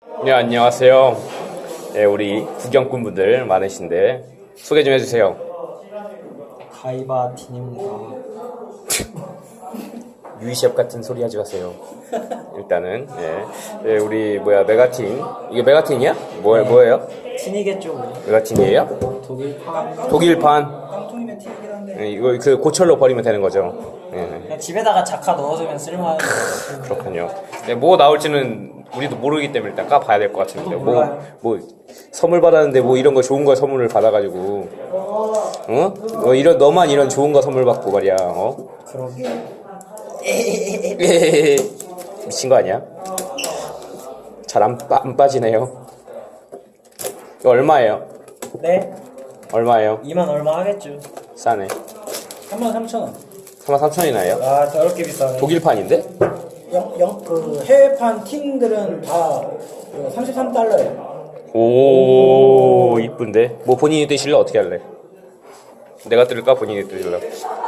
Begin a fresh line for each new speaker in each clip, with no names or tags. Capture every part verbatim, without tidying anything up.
네, 안녕하세요. 네, 우리 구경꾼분들 많으신데 소개 좀 해주세요.
가이바틴입니다.
유이시업 같은 소리 하지 마세요. 일단은 네, 네, 우리 뭐야 메가틴 이게 메가틴이야? 뭐
네.
뭐예요?
tin이겠죠, 뭐.
메가틴이에요?
독일판.
독일판.
깡통이면 tin이긴 한데.
네, 이거 그 고철로 버리면 되는 거죠. 네,
그냥 집에다가 자카 넣어두면 쓸만한.
그렇군요. 네, 뭐 나올지는 우리도 모르기 때문에 일단 까봐야 될 것 같은데 뭐, 뭐 선물 받았는데 뭐 이런 거 좋은 거 선물을 받아가지고 어? 어 이런 너만 이런 좋은 거 선물 받고 말이야. 어?
그러게.
미친 거 아니야? 잘 안 안 빠지네요. 이거 얼마예요?
네?
얼마예요?
이만 얼마 하겠죠.
싸네.
삼만 삼천 원.
삼만 삼천이나요?
아, 더럽게 비싸네.
독일판인데?
영, 영, 그 해외판 팅들은 다 삼십삼 달러예요.
오 이쁜데? 뭐 본인이 뜨실래? 어떻게 할래? 내가 뜰까? 본인이 뜨실래?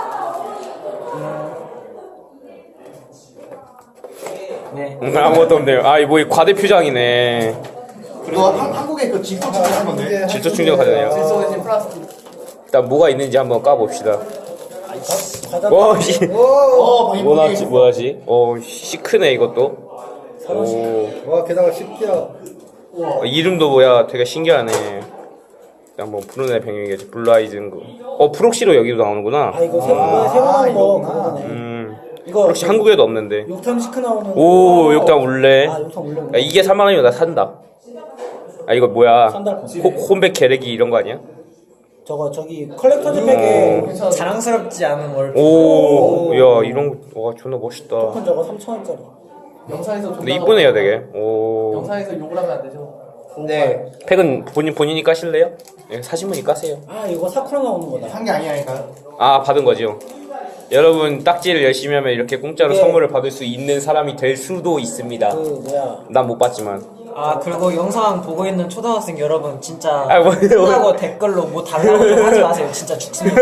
네.
음, 아무것도 없네요. 아, 이거 뭐 과대표장이네.
이거 한, 한국의 그 질소 측정한 건데.
질소 충격 하잖아요.
질소 대신 플라스틱.
일단 뭐가 있는지 한번 까봅시다.
과자
와, 씨.
어, 방금
뭐 나지? 뭐 나지? 어, 씨 크네 이것도. 오,
와, 게다가 십기야.
어, 이름도 뭐야? 되게 신기하네. 그냥 뭐 푸른의 병행이겠지. 블라이즌 거. 어, 프록시로 여기도 나오는구나.
아 이거 새, 이번에 새로 나온 거 그거네.
음,
이거
프록시 한국에도 없는데.
욕탕 시크 나오는.
오, 욕탕 울래.
아 욕탕 울래.
야, 이게 삼만 원이면 나 산다. 아, 이거 뭐야?
산달
호, 홈백 계레기 이런 거 아니야?
저거 저기 컬렉터즈 팩에
자랑스럽지 않은 월.
오, 야, 이런 거, 와, 존나 멋있다.
토큰 저거 삼천 원짜리.
영상에서
근데 이쁘네요, 되게. 오.
영상에서 욕을 하면 안 되죠.
네.
팩은 본인, 본인이 까실래요? 예, 사신 분이 까세요.
아 이거 사쿠라 나오는 거다.
한 게 아니라니까요.
아, 받은 거죠. 여러분, 딱지를 열심히 하면 이렇게 공짜로
네.
선물을 받을 수 있는 사람이 될 수도 있습니다.
그 뭐야.
난 못 받지만.
아, 그리고 영상 보고 있는 초등학생 여러분, 진짜.
아, 뭐,
끝나고 댓글로 뭐 달라고 좀 하지 마세요. 진짜 죽습니다.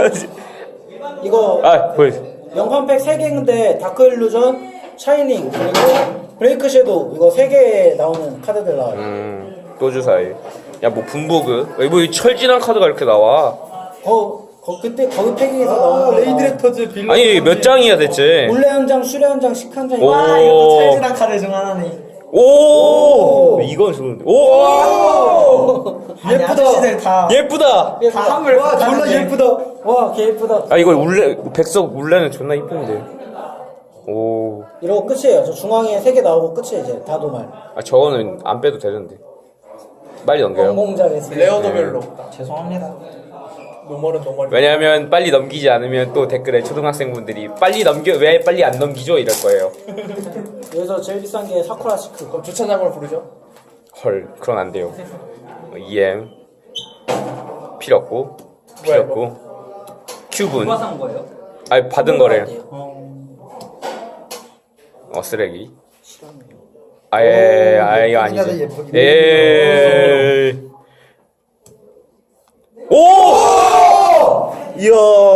이거
아, 보여.
영판 팩 세 개인데 다크 일루전, 샤이닝 그리고 브레이크 섀도우 이거 세 개 나오는 카드들 나와요.
음, 또 주사위. 야, 뭐, 분보그. 왜, 뭐, 이 철진한 카드가 이렇게 나와?
거, 거 그때 거기 팩에서 나온 거.
레이디렉터즈 빌라.
아니, 몇 장이야, 대체?
물레 한 장, 수레 한 장, 식 한 장.
오.
아, 이것도 찰진한 카드 중 하나네.
오! 이건 좋은데. 오!
아니, 아저씨들 다.
예쁘다!
다 한물.
와, 졸라 예쁘다.
와, 개 예쁘다.
아, 이거 울레, 백석 울레는 존나 이쁜데. 오.
이러고 끝이에요. 저 중앙에 세 개 나오고 끝이에요, 이제. 다 도말.
아, 저거는 안 빼도 되는데. 빨리 넘겨요.
공장에서.
레어도 별로.
죄송합니다.
노멀은 노멀.
왜냐면 빨리 넘기지 않으면 또 댓글에 초등학생분들이 빨리 넘겨, 왜 빨리 안 넘기죠? 이럴 거예요.
여기서 제일 비싼 게 사쿠라 시크.
그럼 주차장으로 부르죠.
헐, 그건 안 돼요. 어, 이엠. 필요 없고. 필요
뭐야,
없고. 큐분.
누가 산 거예요?
아니, 받은 거래요.
어.
어, 쓰레기. 아예, 아예, 이거 아니죠.
예쁘긴 예쁘긴
예. 오! 이야.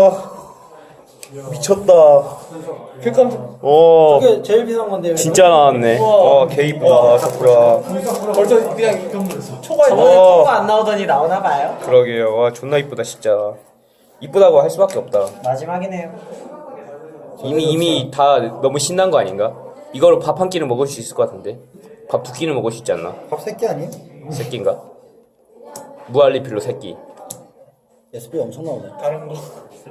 미쳤다.
그
어.
이게 제일 비싼 건데.
진짜 나왔네. 와, 개 이쁘다, 사쿠라.
벌써 그냥 이거 초과해.
저번에
어.
통과 안 나오더니 나오나 봐요.
그러게요. 와, 존나 이쁘다, 진짜. 이쁘다고 할 수밖에 없다.
마지막이네요.
이미, 이미 다 너무 신난 거 아닌가? 이거로 밥 한 끼는 먹을 수 있을 것 같은데. 밥 두 끼는 먹을 수 있지 않나?
밥 새끼 아니에요?
새끼인가? 무한리필로 새끼.
에스피 엄청 나오네.
다른 거.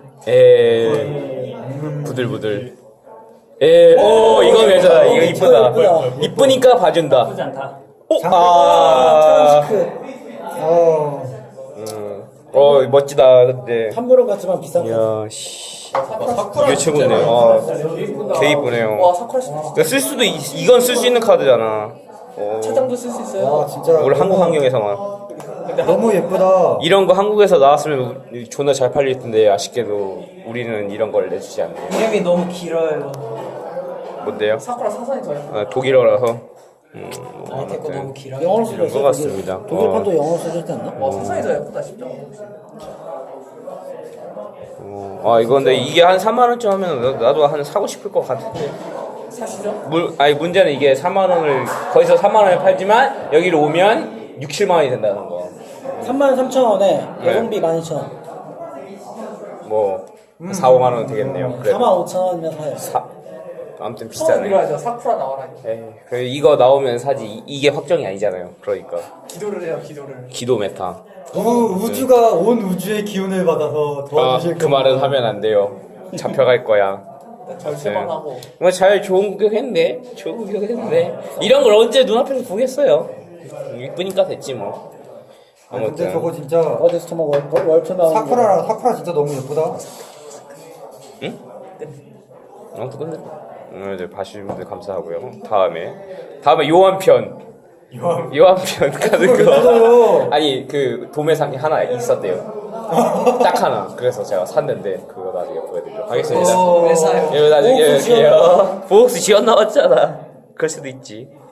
에 부들부들. 에, 오, 이거 괜찮아. 이거 이쁘다.
이쁘다.
이쁘니까 봐준다.
나쁘지 않다.
오, 아,
시크.
어.
음, 어, 멋지다. 근데,
함부로 같지만 비싼 거.
야, 씨, 이게 최고네요. 아, 개 이쁘네요.
와, 사쿠라 씨.
그러니까 쓸 수도 있, 이건 쓸 수 있는 카드잖아. 어,
차장도 쓸 수 있어요.
아 진짜
이걸 한국 환경에서만.
너무 예쁘다.
이런 거 한국에서 나왔으면 우- 존나 잘 팔릴 텐데 아쉽게도 우리는 이런 걸 내주지 않네요.
이름이 너무 길어요.
뭔데요?
사쿠라 사상이 더요.
아, 독일어라서. 음,
아니, 댓글
아무튼.
너무 길어요.
영어로 쓰고
이런 것 같습니다.
독일판도 영어로 써줄 때 않나?
와, 사상이 더 예쁘다, 진짜.
어, 아 이거 근데 이게 한 삼만 원쯤 하면 나- 나도 한 사고 싶을 것 같은데.
사시죠?
물, 아니 문제는 이게 사만 원을 거기서 사만 원에 팔지만 여기로 오면 육, 칠만 원이 된다는 거.
삼만 삼천 원에
네.
배송비 만 이천 원.
뭐 사, 오만 원 되겠네요. 그래.
사만 오천 원이면 사요.
사, 아무튼
처음
비싸네.
밀어야죠. 사쿠라 나와라.
에이, 그래 이거 나오면 사지. 이- 이게 확정이 아니잖아요. 그러니까
기도를 해요. 기도를.
기도 메타.
우, 우주가 온 우주의 기운을 받아서
아,
도와주실
그 말은 하면 안 돼요. 잡혀갈 거야.
절세만 하고.
뭐 잘 좋은 구경했네. 좋은 구경했네. 이런 걸 언제 눈앞에서 보겠어요. 이쁘니까 됐지 뭐.
아, 근데
아무튼
저거 진짜
어디스토마 월표 나오는 거.
사쿠라랑 사쿠라 진짜 너무 예쁘다.
응? 아무튼 끝내. 오늘 이제 봐주신 분들 감사하고요. 다음에 다음에 요한편.
요한
요한편 가는
그거
거.
있어요.
아니 그 도매상이 하나 있었대요. 딱 하나. 그래서 제가 샀는데 그거 나중에 보여드리도록 하겠습니다.
왜 사요?
이거 나중에
보옥수
이렇게요. 보옥수 지원 나왔잖아. 그럴 수도 있지.